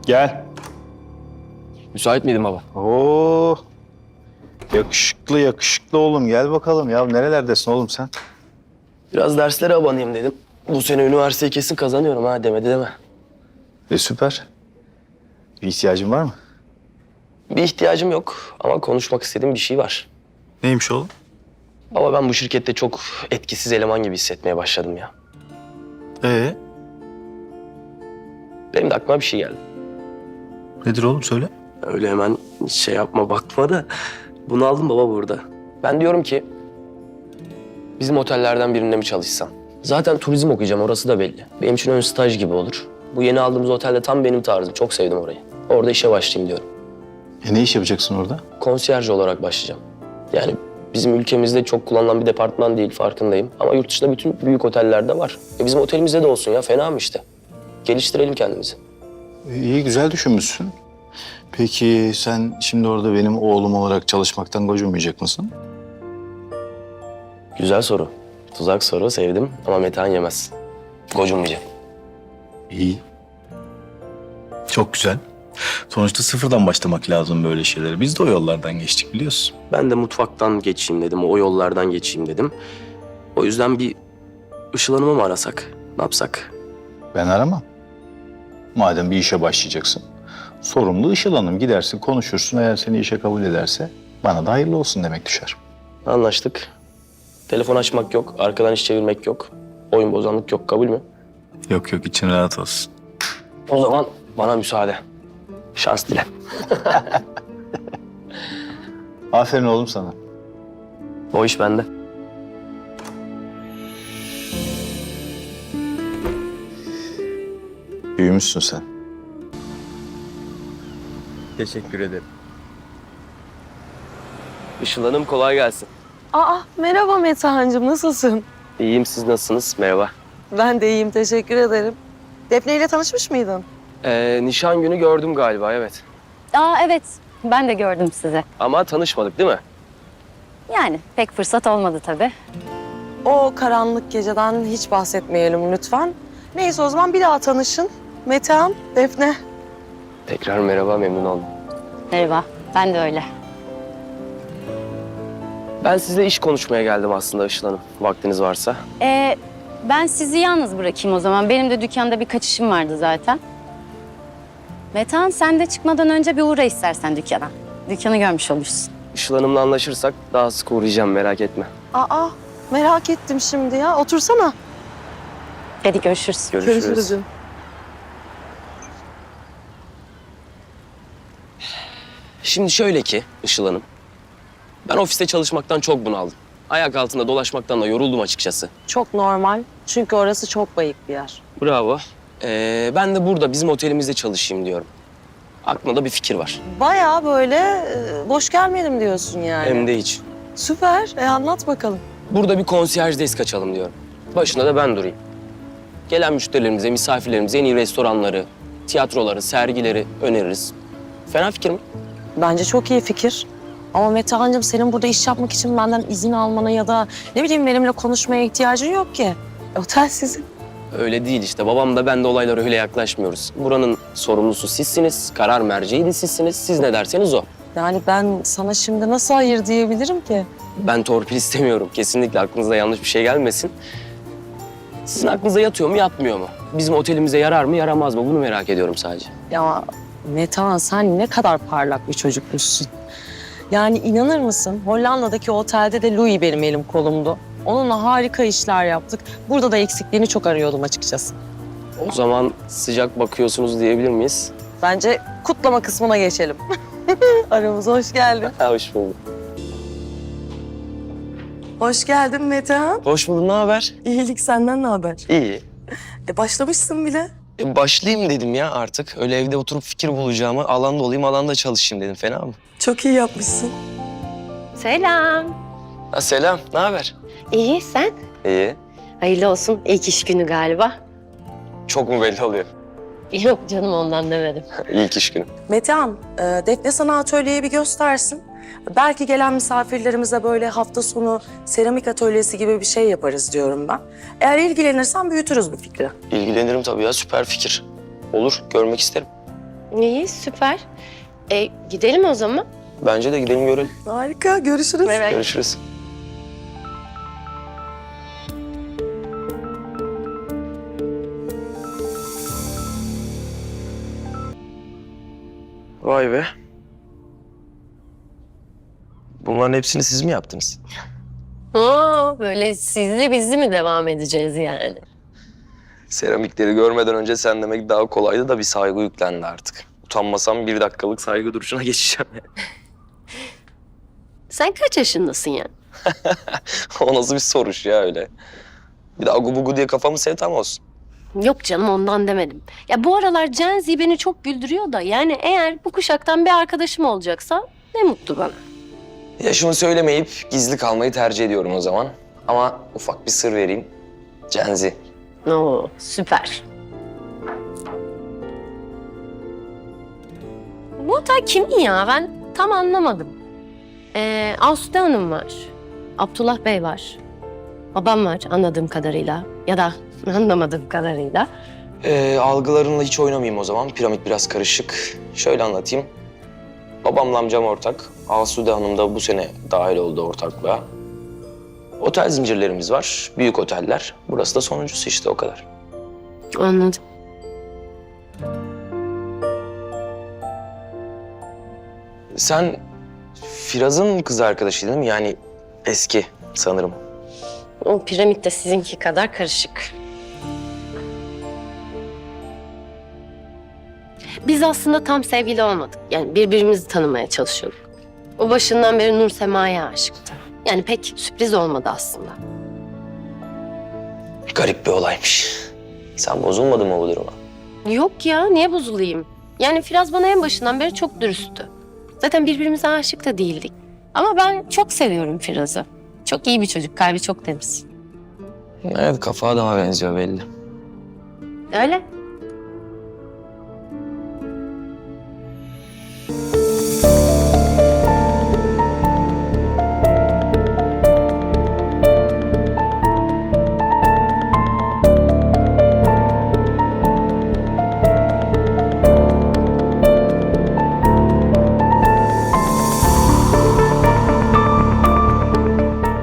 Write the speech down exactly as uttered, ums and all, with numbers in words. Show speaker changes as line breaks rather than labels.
Gel.
Müsait miydin baba?
Oo. Yakışıklı yakışıklı oğlum, gel bakalım. Ya nerelerdesin oğlum sen?
Biraz derslere abanayım dedim. Bu sene üniversiteyi kesin kazanıyorum ha demedi deme.
E süper. Bir ihtiyacın var mı?
Bir ihtiyacım yok ama konuşmak istediğim bir şey var.
Neymiş oğlum?
Baba ben bu şirkette çok etkisiz eleman gibi hissetmeye başladım ya.
Ee,
Benim de aklıma bir şey geldi.
nedir oğlum, söyle.
Öyle hemen şey yapma bakma da bunu aldım baba burada. Ben diyorum ki bizim otellerden birinde mi çalışsam? Zaten turizm okuyacağım, orası da belli. Benim için ön staj gibi olur. Bu yeni aldığımız otelde tam benim tarzım. Çok sevdim orayı. Orada işe başlayayım diyorum.
E ne iş yapacaksın orada?
Konsiyerj olarak başlayacağım. Yani bizim ülkemizde çok kullanılan bir departman değil, farkındayım. Ama yurt dışında bütün büyük otellerde var. E bizim otelimizde de olsun ya, fena mı işte? Geliştirelim kendimizi.
E, iyi, güzel düşünmüşsün. Peki sen şimdi orada benim oğlum olarak çalışmaktan gocunmayacak mısın?
Güzel soru. Tuzak soru, sevdim ama Metehan yemez. Gocunmayacak.
İyi. Çok güzel. Sonuçta sıfırdan başlamak lazım böyle şeylere. Biz de o yollardan geçtik, biliyorsun.
Ben de mutfaktan geçeyim dedim, o yollardan geçeyim dedim. O yüzden bir Işıl Hanım'ı mı arasak, ne yapsak?
Ben aramam. Madem bir işe başlayacaksın, sorumlu Işıl Hanım. Gidersin, konuşursun. Eğer seni işe kabul ederse bana da hayırlı olsun demek düşer.
Anlaştık. Telefon açmak yok, arkadan iş çevirmek yok. Oyun bozanlık yok, kabul mü?
Yok yok, için rahat olsun.
O zaman bana müsaade. Şans dile.
Aferin oğlum sana.
O iş bende.
Büyümüşsün sen.
Teşekkür ederim.
Işıl Hanım kolay gelsin.
Aa, merhaba Metehan'cığım, nasılsın?
İyiyim, siz nasılsınız? Merhaba.
Ben de iyiyim, teşekkür ederim. Defne ile tanışmış mıydın?
Ee, nişan günü gördüm galiba, evet.
Aa evet, ben de gördüm sizi.
Ama tanışmadık değil mi?
Yani pek fırsat olmadı tabii.
O karanlık geceden hiç bahsetmeyelim lütfen. Neyse o zaman bir daha tanışın. Metehan, Defne.
Tekrar merhaba, memnun oldum.
Merhaba, ben de öyle.
Ben sizle iş konuşmaya geldim aslında Işıl Hanım, vaktiniz varsa.
Ee, ben sizi yalnız bırakayım o zaman. Benim de dükkanda birkaç işim vardı zaten. Metehan, sen de çıkmadan önce bir uğra istersen dükkana. Dükkanı görmüş olursun.
Işıl Hanım'la anlaşırsak daha sık uğrayacağım, merak etme.
Aa, merak ettim şimdi ya. Otursana.
Hadi görüşürüz.
Görüşürüz.
canım.
Şimdi şöyle ki Işıl Hanım, ben ofiste çalışmaktan çok bunaldım. Ayak altında dolaşmaktan da yoruldum açıkçası.
Çok normal. Çünkü orası çok bayık bir yer.
Bravo. Ee, ben de burada bizim otelimizde çalışayım diyorum. Aklımda bir fikir var.
Bayağı böyle e, boş gelmedim diyorsun yani.
Hem de hiç.
Süper. E anlat bakalım.
Burada bir konsiyerj desk açalım diyorum. Başında da ben durayım. Gelen müşterilerimize, misafirlerimize en iyi restoranları, tiyatroları, sergileri öneririz. Fena fikir mi?
Bence çok iyi fikir. Ama Metehan'cığım senin burada iş yapmak için benden izin almana ya da ne bileyim benimle konuşmaya ihtiyacın yok ki. Otel sizin.
Öyle değil işte. Babam da ben de olaylara öyle yaklaşmıyoruz. Buranın sorumlusu sizsiniz, karar merceği de sizsiniz. Siz ne derseniz o.
Yani ben sana şimdi nasıl hayır diyebilirim ki?
Ben torpil istemiyorum. Kesinlikle aklınıza yanlış bir şey gelmesin. Sizin aklınıza yatıyor mu, yatmıyor mu? Bizim otelimize yarar mı, yaramaz mı? Bunu merak ediyorum sadece.
Ya Metehan sen ne kadar parlak bir çocukmuşsun. Yani inanır mısın? Hollanda'daki otelde de Louis benim elim kolumdu. Onunla harika işler yaptık. Burada da eksikliğini çok arıyordum açıkçası.
O zaman sıcak bakıyorsunuz diyebilir miyiz?
Bence kutlama kısmına geçelim. Aramıza hoş geldin.
Ha, hoş bulduk.
Hoş geldin Metehan.
Hoş bulduk, ne haber?
İyilik senden ne haber?
İyi.
E başlamışsın bile.
E, başlayayım dedim ya artık. Öyle evde oturup fikir bulacağıma alanda olayım, alanda çalışayım dedim. Fena mı?
Çok iyi yapmışsın.
Selam.
Ha, selam, ne haber?
İyi, sen?
İyi.
Hayırlı olsun. İlk iş günü galiba.
Çok mu belli oluyor?
Yok canım, ondan demedim.
İlk iş günü.
Metehan, e, Defne sana atölyeyi bir göstersin. Belki gelen misafirlerimize böyle hafta sonu seramik atölyesi gibi bir şey yaparız diyorum ben. Eğer ilgilenirsen büyütürüz bu fikri.
İlgilenirim tabii ya, süper fikir. Olur, görmek isterim.
İyi, süper. E, gidelim o zaman.
Bence de gidelim görelim.
Harika, görüşürüz.
Görüşürüz. Vay be. Bunların hepsini siz mi yaptınız?
Oo, böyle sizli bizli mi devam edeceğiz yani?
Seramikleri görmeden önce sen demek daha kolaydı da bir saygı yüklendi artık. Utanmasam bir dakikalık saygı duruşuna geçeceğim.
Sen kaç yaşındasın yani?
O nasıl bir soruş ya öyle. Bir de agu bugu diye kafamı sevtam olsun.
Yok canım, ondan demedim. Ya bu aralar Gen Z beni çok güldürüyor da yani eğer bu kuşaktan bir arkadaşım olacaksa ne mutlu bana.
Yaşımı söylemeyip gizli kalmayı tercih ediyorum o zaman. Ama ufak bir sır vereyim. Gen Z.
Oo, süper. Bu otel kimin ya? Ben tam anlamadım. Ee, Asude Hanım var. Abdullah Bey var. Babam var anladığım kadarıyla. Ya da anlamadığım kadarıyla.
Ee, algılarınla hiç oynamayayım o zaman. Piramit biraz karışık. Şöyle anlatayım. Babamla amcam ortak. Asude Hanım da bu sene dahil oldu ortaklığa. Otel zincirlerimiz var. Büyük oteller. Burası da sonuncusu işte o kadar.
Anladım.
Sen Firaz'ın kız arkadaşı değil mi? Yani eski sanırım.
O piramit de sizinki kadar karışık. Biz aslında tam sevgili olmadık. Yani birbirimizi tanımaya çalışıyorduk. O başından beri Nur Sema'ya aşıktı. Yani pek sürpriz olmadı aslında.
Garip bir olaymış. Sen bozulmadın mı bu duruma?
Yok ya, niye bozulayım? Yani Firaz bana en başından beri çok dürüsttü. Zaten birbirimize aşık da değildik. Ama ben çok seviyorum Firaz'ı. Çok iyi bir çocuk, kalbi çok temiz.
Evet, kafa daha benziyor belli.
Öyle.